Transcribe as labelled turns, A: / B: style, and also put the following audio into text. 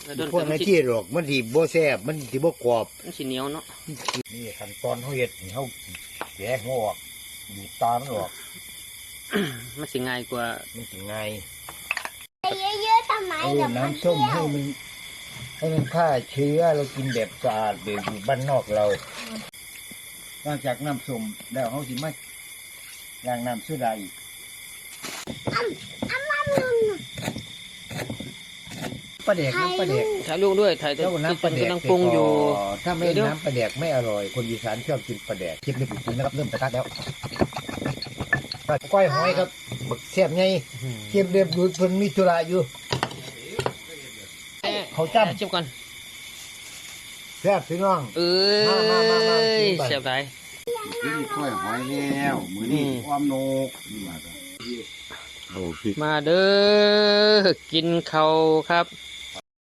A: พวกนั้นที่หรอกมันที่บ่แซ่บมันที่บ่กรอบ
B: มันสีเหนียวเนาะ
A: นี่ขั้นตอนเขาเฮ็ดเขาแกะหัวออกดูตามันออก
B: มันสิง่ายกว่า
A: มันสิง่าย
C: เยอะๆทำไม
A: เอาน้ำส้มให้มันฆ่าเชื้อเรากินแบบสะอาดแบบอยู่บ้านนอกเราหลังจากน้ำส้มแล้วเขาสิมาล้างน้ำโซดาอีกปลาแดกน้ำปลาแดก
B: ถ่ายลูกด้วยถ่ายแต่
A: น้ำปลาแดก
B: กำลังปรุงอยู่
A: ถ้าไม่น้ำปลาแดกไม่อร่อยคนอีสานชอบกินปลาแดกคลิปนี้ผมนะครับเริ่มกระทะแล้วก้อยหอยครับบักแซ่บไงเก็บเรียบดูเพิ่นมีธุระอยู่เขาจ้ำ
B: ชิมก่อน
A: แซ่บพี่น้อง
B: แซ่บไร
A: กินก้อยหอยแล้วมื้อนี้ความโนก
B: มาเด้อกินข้าวครับ